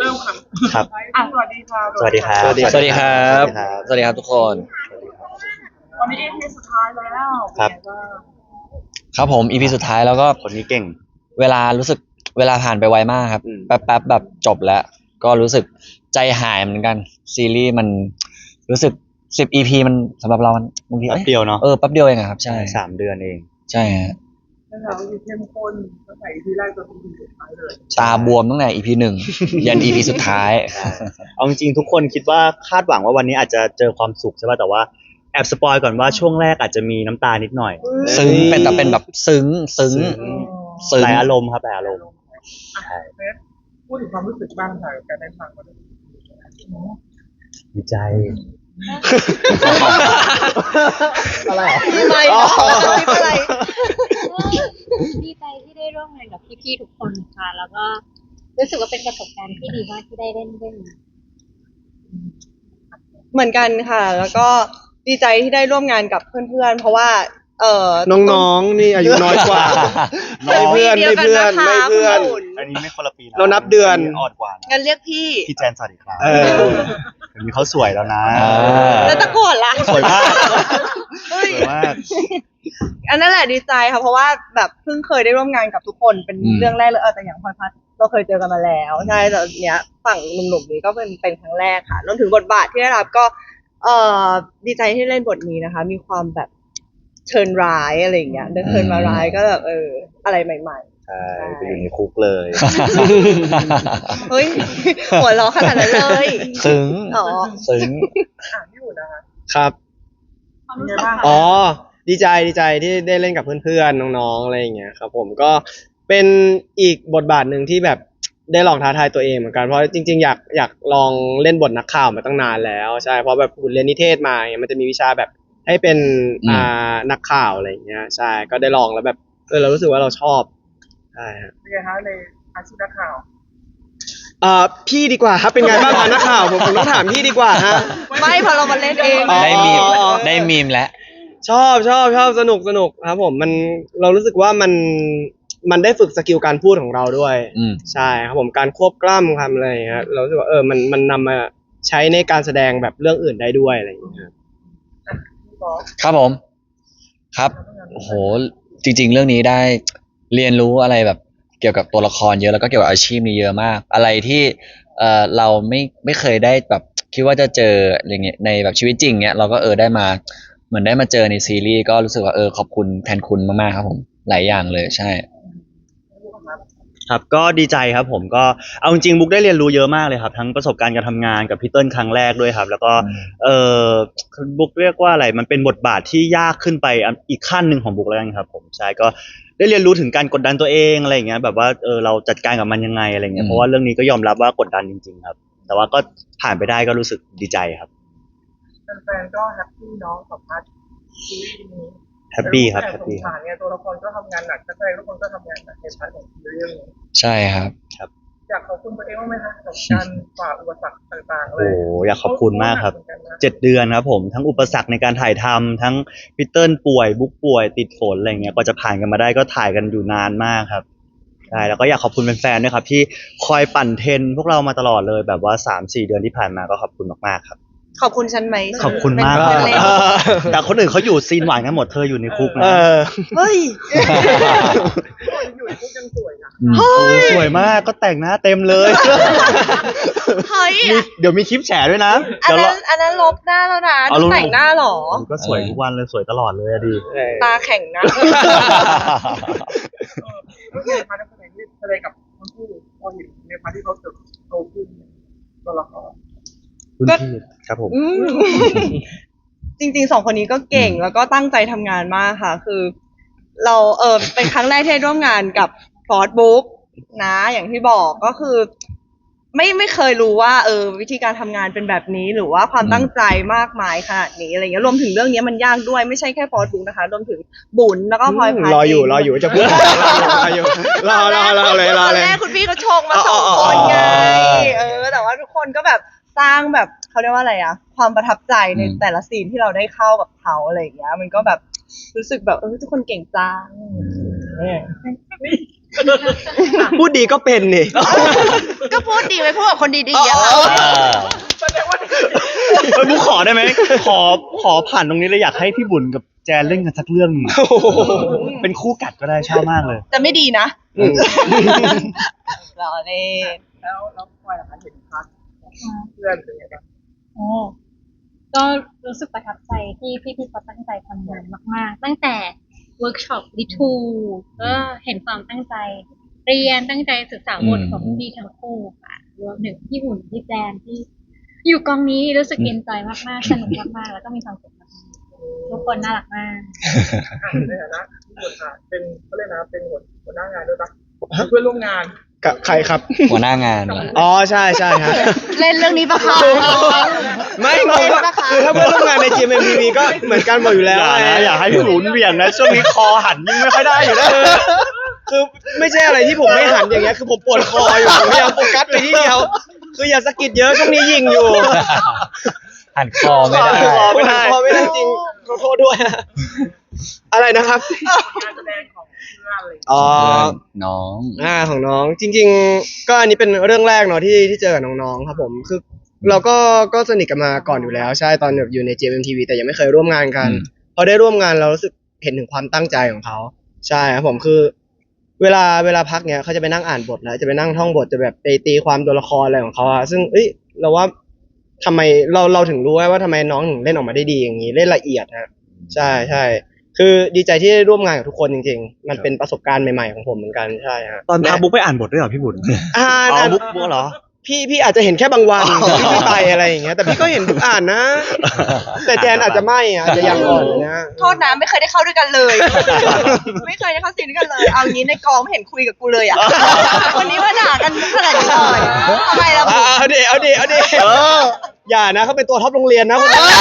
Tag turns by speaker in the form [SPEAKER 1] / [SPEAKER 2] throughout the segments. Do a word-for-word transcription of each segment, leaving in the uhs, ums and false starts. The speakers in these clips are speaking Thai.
[SPEAKER 1] ริ่มครับ
[SPEAKER 2] ครับ
[SPEAKER 1] อ่ะสวัสดีครับ
[SPEAKER 2] สวัสดีครับ
[SPEAKER 3] สวัสดีครับ
[SPEAKER 2] สวัสดีครับทุกคน
[SPEAKER 1] วันนี้ อี พี สุดท้ายแล้ว
[SPEAKER 2] ครับ
[SPEAKER 1] เป็นไงบ้าง
[SPEAKER 3] ครับผม อี พี สุดท้ายแล้วก็
[SPEAKER 2] คนนี้เก่ง
[SPEAKER 3] เวลารู้สึกเวลาผ่านไปไวมากครับ
[SPEAKER 2] อืม
[SPEAKER 3] แป๊บๆแบบจบแล้ว ก็รู้สึกใจหายเหมือนกันซีรีส์มันรู้สึกสิบ อี พี มันสำหรับเรามันบางที
[SPEAKER 2] แป๊บเดียวเนาะ
[SPEAKER 3] เออแป๊บเดียวเองอะครับใช่
[SPEAKER 2] สามเดือนเอง
[SPEAKER 3] ใช่ฮะ
[SPEAKER 1] เรื่องราวที่เข้มข้นตั้งแต่ อี พี แรกจนถึง อี พี สุดท้ายเลย
[SPEAKER 3] ตาบวมตั้งแต่ อี พี หนึ่ง ยัน อี พี สุดท้าย
[SPEAKER 2] เอาจริงๆทุกคนคิดว่าคาดหวังว่าวันนี้อาจจะเจอความสุขใช่ป่ะแต่ว่าแอบสปอยก่อนว่าช่วงแรกอาจจะมีน้ำตานิดหน่อย
[SPEAKER 3] ซึ้งเป็นแต่เป็นแบบซึ้งซึ้ง ซึ้ง
[SPEAKER 2] หลายอารมณ์ครับหลายอารมณ์ ใช่
[SPEAKER 1] เฟสพูดถึงความรู้สึกบ้างค่ะการได้ฟังวันนี้
[SPEAKER 2] ดีใจ
[SPEAKER 3] อะไร
[SPEAKER 4] อะไรนะอะไรดีใจที่ได้ร่วมงานกับพี่ๆทุกคนค่ะ แล้วก็รู้สึกว่าเป็นประสบการณ์ที่ดีมากที่ได้เล่นเรื่องนี้
[SPEAKER 5] เหมือนกันค่ะ แล้วก็ดีใจที่ได้ร่วมงานกับเพื่อนๆ เพราะว่า เออ
[SPEAKER 6] น้องๆ นี่อายุน้อยกว่า ไม่เพื่อนไม่เพื่อนไม่เพื่อน
[SPEAKER 2] อันนี้ไม่คนละปีนะ
[SPEAKER 6] เรานับเดือน
[SPEAKER 2] อ่อนกว่านะ
[SPEAKER 5] งั้นเรียกพี่
[SPEAKER 2] พี่แจนสวัสดีครับ
[SPEAKER 6] เออ
[SPEAKER 2] เดี๋ยวนี้เขาสวยแล้วนะ
[SPEAKER 3] อ่า
[SPEAKER 5] แล้วตะโกนล่ะ
[SPEAKER 2] สวยมาก
[SPEAKER 5] เฮ้
[SPEAKER 2] ส
[SPEAKER 5] ย
[SPEAKER 2] วยมาก
[SPEAKER 5] อันนั้นแหละดีใจค่ะ เพราะว่าแบบเพิ่งเคยได้ร่วมงานกับทุกคนเป็น
[SPEAKER 3] อืม
[SPEAKER 5] เรื่องแรกเลยเออแต่อย่างพลอยพัดเราเคยเจอกันมาแล้วใช่แต่เนี้ยฝั่งหนุ่มๆนี้ก็เป็นเป็นครั้งแรกค่ะรวมถึงบทบาทที่ได้รับก็ เอ่อดีใจที่เล่นบทนี้นะคะ มีความแบบเชิญร้ายอะไรอย่างเงี้ยเดินเชิญมาร้ายก็แบบเอออะไรใหม่
[SPEAKER 2] ใช่ไปอยู่ในคุกเลย
[SPEAKER 5] ๆ เฮ้ย หัวเราะขนาดนั้นเลย
[SPEAKER 3] ซึ้ง
[SPEAKER 5] อ๋อ
[SPEAKER 3] ซึ้ง
[SPEAKER 1] อ่านที่อยู่นะคะ
[SPEAKER 6] ครับ
[SPEAKER 1] เป็นไงบ้าง
[SPEAKER 6] อ๋อ ดีใจดีใจที่ได้เล่นกับเพื่อนๆ น้องๆ อะไรอย่างเงี้ยครับผมก็เป็นอีกบทบาทหนึ่งที่แบบได้ลองท้าทายตัวเองเหมือนกันเพราะจริงๆ อยากอยากลองเล่นบทนักข่าวมาตั้งนานแล้วใช่เพราะแบบคุณเรียนนิเทศมาเนี่ยมันจะมีวิชาแบบให้เป็น
[SPEAKER 3] อืม
[SPEAKER 6] อ่านักข่าวอะไรอย่างเงี้ยใช่ก็ได้ลองแล้วแบบเออเรารู้สึกว่าเราชอบใช่ฮะ
[SPEAKER 1] เป็นไงคะในอาชีพนักข่าว
[SPEAKER 6] เอ่อพี่ดีกว่าครับเป็นไงบ้างคะนักข่าวผมผมต้องถามพี่ดีกว่าฮะ
[SPEAKER 5] ไม่พอเรามาเล่นเอง
[SPEAKER 6] อ๋อ
[SPEAKER 3] ได้มีมได้มีมแล้ว
[SPEAKER 6] ชอบชอบชอบสนุกสนุกครับผมมันเรารู้สึกว่ามันมันได้ฝึกสกิลการพูดของเราด้วย
[SPEAKER 3] อืม
[SPEAKER 6] ใช่ครับผมการควบกล้ำคำอะไรอย่างเงี้ยเรารู้สึกว่าเออมันมันนำมาใช้ในการแสดงแบบเรื่องอื่นได้ด้วยอะไรอย่างเงี้ยครับ
[SPEAKER 1] พี่บอส
[SPEAKER 3] ครับผม ครับ โอ้โห จริง ๆ เรื่องนี้ได้เรียนรู้อะไรแบบเกี่ยวกับตัวละครเยอะแล้วก็เกี่ยวกับอาชีพนี้เยอะมาก อะไรที่เอ่อเราไม่ไม่เคยได้แบบคิดว่าจะเจออย่างเงี้ยในแบบชีวิตจริงเงี้ยเราก็เออได้มาเหมือนได้มาเจอในซีรีส์ก็รู้สึกว่าเออขอบคุณแทนคุณมากๆครับผมหลายอย่างเลยใช่
[SPEAKER 2] ครับก็ดีใจครับผมก็เอาจริงๆบุ๊กได้เรียนรู้เยอะมากเลยครับทั้งประสบการณ์การทำงานกับพี่เติ้ลครั้งแรกด้วยครับ แล้วก็
[SPEAKER 3] อืม
[SPEAKER 2] เออบุ๊กเรียกว่าอะไรมันเป็นบทบาทที่ยากขึ้นไปอีกขั้นหนึ่งของบุ๊กแล้วกันครับผมใช่ก็ได้เรียนรู้ถึงการกดดันตัวเองอะไรอย่างเงี้ยแบบว่าเออเราจัดการกับมันยังไงอะไรเงี้ยเพราะว่าเรื่องนี้ก็ยอมรับว่ากดดันจริงๆครับ แต่ว่าก็ผ่านไปได้ก็รู้สึกดีใจครับ
[SPEAKER 1] แฟนๆก็แฮปปี้เนาะกับพาร์ทซีรีส์นี้
[SPEAKER 2] แฮปปี้ครับ
[SPEAKER 1] แต่
[SPEAKER 2] แฮป
[SPEAKER 1] สง
[SPEAKER 2] ปี้
[SPEAKER 1] สารเนี่ยตัวละครก็ทำงานหนักนักแสดงทุกคนก็ทำงานหนักในพาร์ทของซีรีส์เรื่องนี้
[SPEAKER 3] ใช่ครับ
[SPEAKER 1] อยากขอบคุณตัวเองบ้างไหมคะกับการฝ่าอุปสรรคต่างๆเล
[SPEAKER 2] โอ้
[SPEAKER 1] ย
[SPEAKER 2] อยากขอบคุณมากครับ
[SPEAKER 1] เหอนกันนะ
[SPEAKER 2] เจ็ดเดือนครับผมทั้งอุปสรรคในการถ่ายทำทั้งพีเติ้ลป่วยบุ๊กป่วยติดฝนอะไรเงี้ยกว่าจะผ่านกันมาได้ก็ถ่ายกันอยู่นานมากครับใช่แล้วก็อยากขอบคุณแฟนๆด้วยครับที่คอยปั่นเทรนพวกเรามาตลอดเลยแบบว่า สามสี่ เดือนที่ผ่านมาก็ขอบคุณมากๆครับ
[SPEAKER 5] ขอบคุณฉันไหม
[SPEAKER 2] ขอบคุณมาก
[SPEAKER 5] เป็น
[SPEAKER 2] ค
[SPEAKER 5] เพื่
[SPEAKER 2] รั
[SPEAKER 5] อน
[SPEAKER 2] บ
[SPEAKER 5] เล่น
[SPEAKER 2] แต่คนอื่นเขาอยู่ซีนหวานกันหมดเธออยู่ในคุก
[SPEAKER 6] เอ
[SPEAKER 2] นะ
[SPEAKER 6] อ
[SPEAKER 5] เฮ้ย
[SPEAKER 1] อยู่ในคุกยังสวยนะ
[SPEAKER 3] อืม
[SPEAKER 2] โอ้สวยมากก็แต่งหน้าเต็มเลย
[SPEAKER 5] เฮ้ย
[SPEAKER 2] มีเดี๋ยวมีคลิปแฉด้วยนะ
[SPEAKER 5] อัน
[SPEAKER 2] เดี๋ยว
[SPEAKER 5] นั้
[SPEAKER 2] เรา
[SPEAKER 5] นอันนั้นลบหน้าแล้วนะ
[SPEAKER 2] เอาลง
[SPEAKER 5] แต่งหน้าเหรอ
[SPEAKER 2] ผมก็สวยทุกวันเลยสวยตลอดเลยอะดี
[SPEAKER 5] ตาแข็งนะ
[SPEAKER 1] เออแล้วในพาร์ทนักแสดงที่แสดงกับทั้งคู่พอเห็นในพาร์ทที่เขาเติบโตขึ้นตัวละคร
[SPEAKER 2] รุ่นพี่ครับผม
[SPEAKER 5] อืม จริงๆสองคนนี้ก็เก่งแล้วก็ตั้งใจทำงานมากค่ะ คือ เราเออเป็นครั้งแรกที่ได้ร่วมงานกับฟอร์ดบุ๊กนะ อย่างที่บอกก็คือ ไม่ไม่เคยรู้ว่าเออวิธีการทำงานเป็นแบบนี้หรือว่าความ
[SPEAKER 3] อืม
[SPEAKER 5] ตั้งใจมากมายขนาดนี้อะไรเงี้ยรวมถึงเรื่องนี้มันยากด้วยไม่ใช่แค่ฟอร์ดบุ๊กนะคะรวมถึงบุญแล้วก็พลอยพัน
[SPEAKER 6] รออยู่
[SPEAKER 5] เง
[SPEAKER 6] รออยู่จะพูดรออยู่รอรอรอเลยรอ
[SPEAKER 5] ตอน
[SPEAKER 6] เลย
[SPEAKER 5] แรกคุณพี่เขาชงมาสองคนไงเออแต่ว่าทุกคนก็แบบสร้างแบบเขาเรียกว่าอะไรอะความประทับใจใน
[SPEAKER 3] อืม
[SPEAKER 5] แต่ละซีนที่เราได้เข้ากับเขาอะไรอย่างเงี้ย มันก็แบบรู้สึกแบบเออทุกคนเก่งจังเออ
[SPEAKER 6] พูดดีก็เป็นนี่
[SPEAKER 5] ก็พูดดดีไว้พูดกับคนดีๆอะค่ะ
[SPEAKER 1] แสดงว่า
[SPEAKER 2] เออบุ๊กขอได้ไหมขอขอผ่านตรงนี้เลยอยากให้พี่บุญกับแจนเล่นกันสักเรื่องหนึ่งเป็นคู่กัดก็ได้ชอบมากเลย
[SPEAKER 5] จะไม่ดีนะ
[SPEAKER 6] อืม
[SPEAKER 5] รอเล่น
[SPEAKER 1] แล้วแล้วพลอยล่ะคะเห็นพาร์ทของเพื่อนเป็นไงบ้าง
[SPEAKER 4] โอ้ก็รู้สึกประทับใจที่พี่ๆเขาตั้งใจทำงานมาก ๆ ตั้งแต่เวิร์กช็อปดิทูก็เห็นความตั้งใจเรียนตั้งใจศึกษาบทของพี่ทั้งคู่ค่ะรวมถึงพี่หุ่นพี่แจนที่ อยู่กองนี้รู้สึกเอนจอยมากๆสนุกมากๆแล้วก็มีความสุขมากๆทุกคนน่ารักมาก
[SPEAKER 1] อ่ะในฐานะที่คนค่ะเป็นเขาเรียกนะเป็นหัวหัวหน้างานด้วยปะเพื่อนร่วมงาน
[SPEAKER 6] กับใครครับ
[SPEAKER 3] หัวหน้างานว่ะ
[SPEAKER 6] อ๋อใช่ใช่ฮะ
[SPEAKER 5] เล่นเรื่องนี้ปะคะ
[SPEAKER 6] ไม่งงว่าคือถ้าเพื่อนร่วมงานใน จี เอ็ม เอ็ม ที วี ก็เหมือนกันหมดอยู่แล้ว
[SPEAKER 2] อย่านะ
[SPEAKER 6] ไง
[SPEAKER 2] อย่าให้พี่บุญเบี่ยงนะช่วงนี้คอหันยิ่งไม่ค่อยได้อยู่นะ
[SPEAKER 6] คือไม่ใช่อะไรที่ผมไม่หันอย่างเงี้ยคือผมปวดคออยู่ผมพยายามโฟกัสไปที่เดียว คืออย่าสะกิดเยอะช่วงนี้ยิงอยู่
[SPEAKER 3] หันคอไม่ได้
[SPEAKER 6] คอไม่ได้คอไม่ได้จริงขอโทษด้วย อะไรนะครับ
[SPEAKER 1] การแสดงของเพื่อนอะไรอย่างเงี้ย
[SPEAKER 6] อ๋อ
[SPEAKER 3] น้อง
[SPEAKER 6] อ่าของน้องจริง ๆ ก็อันนี้เป็นเรื่องแรกเนาะที่ที่เจอกับน้องๆครับผมคือเราก็ก็สนิทกันมาก่อนอยู่แล้วใช่ตอนแบบอยู่ใน จี เอ็ม เอ็ม ที วี แต่ยังไม่เคยร่วมงานกัน
[SPEAKER 3] อืม
[SPEAKER 6] พอได้ร่วมงานเรารู้สึกเห็นถึงความตั้งใจของเขาใช่ครับผมคือ เวลาเวลาพักเนี้ยเขาจะไปนั่งอ่านบทแล้วจะไปนั่งท่องบทจะแบบไปตีความตัวละครอะไรของเขาอะซึ่งเอ้ยเราว่าทำไมเราเราถึงรู้ว่าทำไมน้องถึงเล่นออกมาได้ดีอย่างนี้เล่นละเอียดฮะใช่ใช่คือดีใจที่ได้ร่วมงานกับทุกคนจริงๆ มันเป็นประสบการณ์ใหม่ๆของผมเหมือนกันใช่ฮะ
[SPEAKER 2] ตอนพาบุ๊กไปอ่านบทด้วยเหรอพี่บุญ
[SPEAKER 6] อ่า
[SPEAKER 2] อ๋อ
[SPEAKER 6] อ่าน
[SPEAKER 2] บุ๊กบุ๊กเหรอ
[SPEAKER 6] พี่พี่อาจจะเห็นแค่บางวันที่พี่ไปอะไรอย่างเงี้ยแต่พี่ก็เห็นทุกอ่านนะ แต่แจนอาจจะไม่อะอาจจะยังอ่อนอยู่นะ
[SPEAKER 5] โทษนะไม่เคยได้เข้าด้วยกันเลย ไม่เคยได้เข้าซีนด้วยกันเลย เอางี้ในกองไม่เห็นคุยกับกูเลยอ่ะ วันนี้มาด่ากันขนาดนี้เลยทำไมล่ะ
[SPEAKER 6] อ่าเอาดิเอาดิเอาดิอย่านะเขาเป็นตัวท็อปโรงเรียนนะคนนั้น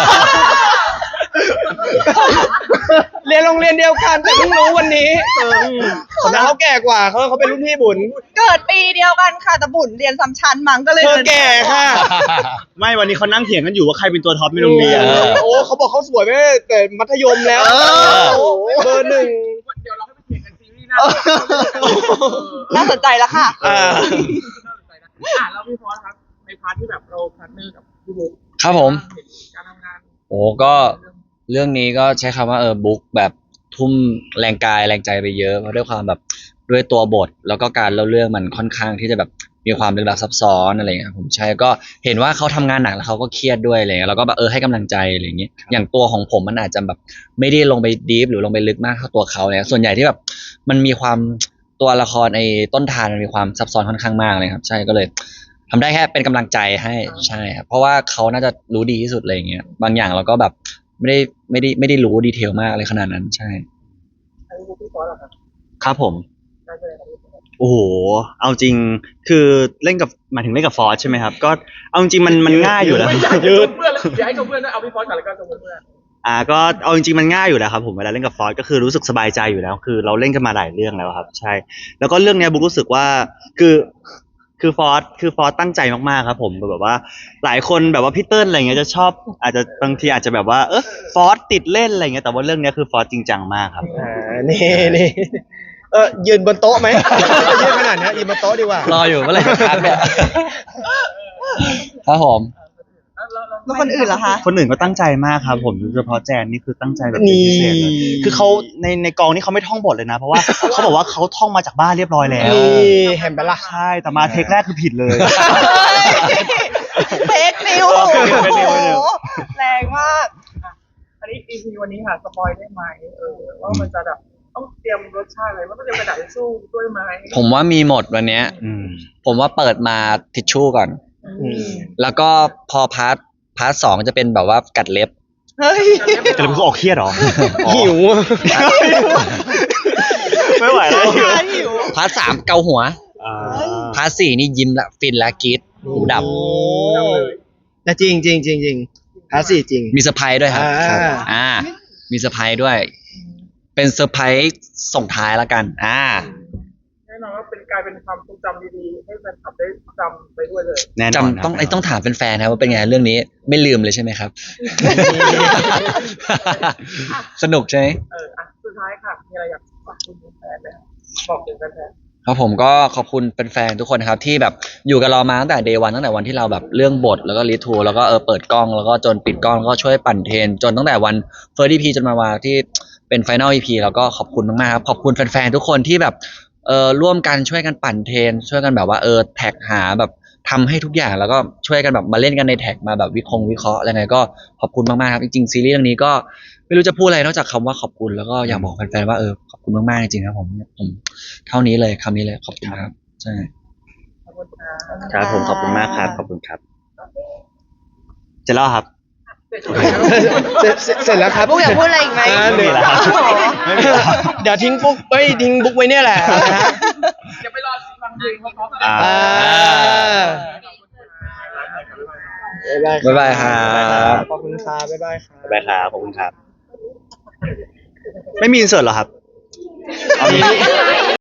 [SPEAKER 6] เรียนโรงเรียนเดียวกันแต่เพิ่งรู้วันนี้คนนั้นเขาแก่กว่าเขาเขาเป็นรุ่นพี่บุญ
[SPEAKER 5] เกิดปีเดียวกันค่ะแต่บุญเรียนซ้ำชั้นมั้งก็เลย
[SPEAKER 6] เธอแก่ค่ะ
[SPEAKER 2] ไม่วันนี้เขานั่งเถียงกันอยู่ว่าใครเป็นตัวท็อปในโรงเรียน
[SPEAKER 3] เออ
[SPEAKER 6] โอ้เขาบอกเขาสวยไม่แต่มัธยมแล้วโอ้เบอร์หนึ่ง
[SPEAKER 1] เดี๋ยวเราให้ไปเถียงกันซีรีส์หน้า
[SPEAKER 5] น่าสนใจแล้วค่ะ
[SPEAKER 6] อ่า
[SPEAKER 1] น่าสนใจนะอ่ะแล้วพี่ฟอสครับในพาร์ทที่แบบเราพาร์ทเนอร์กับพี่บุ๊ค
[SPEAKER 3] ครับผม
[SPEAKER 1] เห็นการทำงาน
[SPEAKER 3] โอ้ก็เรื่องนี้ก็ใช้คำว่าเออบุ๊กแบบทุ่มแรงกายแรงใจไปเยอะเพราะด้วยความแบบด้วยตัวบท แล้วก็การเล่าเรื่องมันค่อนข้างที่จะแบบมีความลึกลับซับซ้อนอะไรอย่างเงี้ยครับผมใช่ก็เห็นว่าเขาทำงานหนักแล้วเขาก็เครียดด้วยอะไรเงี้ยแล้วก็แบบเออให้กำลังใจอะไรอย่างเงี้ยอย่างตัวของผมมันอาจจะแบบไม่ได้ลงไปดีฟหรือลงไปลึกมากเท่าตัวเขาเนี่ยส่วนใหญ่ที่แบบมันมีความตัวละครไอ้ต้นทานมันมีความซับซ้อนค่อนข้างมากเลยครับใช่ก็เลยทำได้แค่เป็นกำลังใจให้ใช่ครับเพราะว่าเขาน่าจะรู้ดีที่สุดอะไรอย่างเงี้ยบางอย่างเราก็แบบไม่ได้ไม่ได้ไม่ได้รู้ดีเทลมากอะไรขนาดนั้นใช่
[SPEAKER 1] ไอ้บุ๊คพี่ฟอสเหรอครับ
[SPEAKER 2] ครับผม
[SPEAKER 1] การแสดงของพี่ฟอส
[SPEAKER 2] โอ้โห เอาจริง คือเล่นกับหมายถึงเล่นกับฟอสใช่ไหมครับ ก็เอาจริงๆมันมันง่ายอยู่แล้ว
[SPEAKER 1] ไม่อยากยืดเพื่อนแล้วอยากให้กับเพื่อนด้วยเอาพี่ฟอสก่อนแล้วก็กับเพื่อน
[SPEAKER 2] อ่า ก็เอาจริงๆมันง่ายอยู่แล้วครับผมเวลาเล่นกับฟอสก็คือรู้สึกสบายใจอยู่แล้ว คือเราเล่นกันมาหลายเรื่องแล้วครับ ใช่ แล้วก็เรื่องเนี้ยบุ๊กรู้สึกว่า คือ คือฟอสคือฟอสตั้งใจมากๆครับผมแบบว่า หลายคนแบบว่าพี่เติ้ลอะไรเงี้ยจะชอบ อาจจะบางทีอาจจะแบบว่า เออฟอสติดเล่นอะไรเงี้ย แต่ว่าเรื่องเนี้ยคือฟอสจริงจังมากครับ
[SPEAKER 6] อ่านี่นี่เออยืนบนโต๊ะไหมยืนขนาดนี้ยืนบนโต๊ะดีกว่า
[SPEAKER 3] รออยู่เมื่อไหร่จะพักเนี่ยครับผม
[SPEAKER 1] แล้วแล้วแล้ว
[SPEAKER 5] แล้วคนอื่นเหรอคะ
[SPEAKER 2] คนอื่นก็ตั้งใจมากครับผมโดยเฉพาะแจนนี่คือตั้งใจแบบเป็นพิเศษเลย
[SPEAKER 6] นี่
[SPEAKER 2] คือเขาในในกองนี่เขาไม่ท่องบทเลยนะ เพราะว่า เขาบอกว่าเขาท่องมาจากบ้านเรียบร้อยแล้ว
[SPEAKER 6] นี่เห็นปะล่ะ
[SPEAKER 2] ใช่แต่มาเทคแรกคือผิดเลย
[SPEAKER 5] เฟกนิว
[SPEAKER 2] เฟคนิวเฟคนิว
[SPEAKER 5] แรงมาก
[SPEAKER 1] อันนี้ อี พี วันนี้ค่ะสปอยได้ไหมเออว่ามันจะแบบต้องเตรียมรสชาติอะไรว่าต้องเตรียมกระดาษทิชชู่ด้วยไหม
[SPEAKER 3] ผมว่ามีหมดวันเนี้ย
[SPEAKER 2] อืม
[SPEAKER 3] ผมว่าเปิดมาทิชชู่ก่อน
[SPEAKER 1] อืม
[SPEAKER 3] แล้วก็พอพาร์ทพาร์ทสองจะเป็นแบบว่ากัดเล็บ
[SPEAKER 5] เฮ้ย
[SPEAKER 2] แต่เราคือออกเครียดเหรอ
[SPEAKER 6] หิวอะ
[SPEAKER 2] ไม่ไหวแล้วหิว
[SPEAKER 5] หิว
[SPEAKER 3] พาร์ทสามเกาหัว
[SPEAKER 2] อ่า
[SPEAKER 3] พาร์ทสี่นี่ยิ้มละฟินละกรีดหูดับ
[SPEAKER 6] โอ้แต่จริงจริงจริงจริงพาสี่จริง
[SPEAKER 3] มีเซอร์ไพรส์ด้วยครับ
[SPEAKER 6] อ่า
[SPEAKER 3] ครับอ่า มีเซอร์ไพรส์ด้วย เป็นเซอร์ไพรส์ส่งท้ายละกัน อ่า
[SPEAKER 1] แน่นอนว่าเป็นกลายเป็นความทรงจำดีๆให้แฟนคลับได้จำไปด้วยเลย
[SPEAKER 2] แน่นอน
[SPEAKER 3] จำต้องไอ้ต้องถามแฟนๆนะว่าเป็นไงเรื่องนี้ไม่ลืมเลยใช่ไหมครับ สนุกใช่ไหม
[SPEAKER 1] เอออ่ะสุดท้ายค่ะมีอะไรอยากฝากคุณแฟนไหมครับบอกถึงแฟน
[SPEAKER 3] ครับผมก็ขอบคุณแฟนๆทุกคนนะครับที่แบบอยู่กับเรามาตั้งแต่เดย์วันตั้งแต่วันที่เราแบบเรื่องบทแล้วก็รีทูแล้วก็เออเปิดกล้องแล้วก็จนปิดกล้องแล้วก็ช่วยปั่นเทรนจนตั้งแต่วันเฟิร์สอีพีจนมาวันที่เป็นไฟนอลอีพีแล้วก็ขอบคุณมากๆครับขอบคุณแฟนๆทุกคนที่แบบเออร่วมกันช่วยกันปั่นเทรนช่วยกันแบบว่าเออแท็กหาแบบทำให้ทุกอย่างแล้วก็ช่วยกันแบบมาเล่นกันในแท็กมาแบบวิเคงวิเคราะห์อะไรไงก็ขอบคุณมากๆครับจริงๆซีรีส์เรื่องนี้ก็ไม่รู้จะพูดอะไรนอกจากคำว่าขอบคุณแล้วก็อยากบอกแฟนๆว่าเออขอบคุณมากๆจริงๆครับผมผมเท่านี้เลยคำนี้เลยขอบคุณครับใช่
[SPEAKER 1] ขอบคุณค่ะ
[SPEAKER 2] ครับผมขอบคุณมากครับขอบคุณครับเสร็จแล้วครับ
[SPEAKER 6] เสร็จเสร็จเสร็จแล้วครับ
[SPEAKER 5] บุ๊กอยากพูดอะไรอีกไหม
[SPEAKER 6] อ่า
[SPEAKER 2] ไม่มีแล้วครับ ไม่มีแล้ว
[SPEAKER 6] เดี๋ยวทิ้งบุ๊กเอ้ยทิ้งบุ๊กไว้เนี่ยแหละนะฮะ
[SPEAKER 1] เดี๋ยวไปรอฟังเพลงเพราะๆ
[SPEAKER 2] อ่า
[SPEAKER 6] อ่า
[SPEAKER 3] บ๊ายบายครับ
[SPEAKER 6] ขอบคุณครับบ๊ายบายครับ
[SPEAKER 2] บ๊ายบายครับขอบคุณครับ ไม่มีอินเสิร์ตเหรอครับเอามี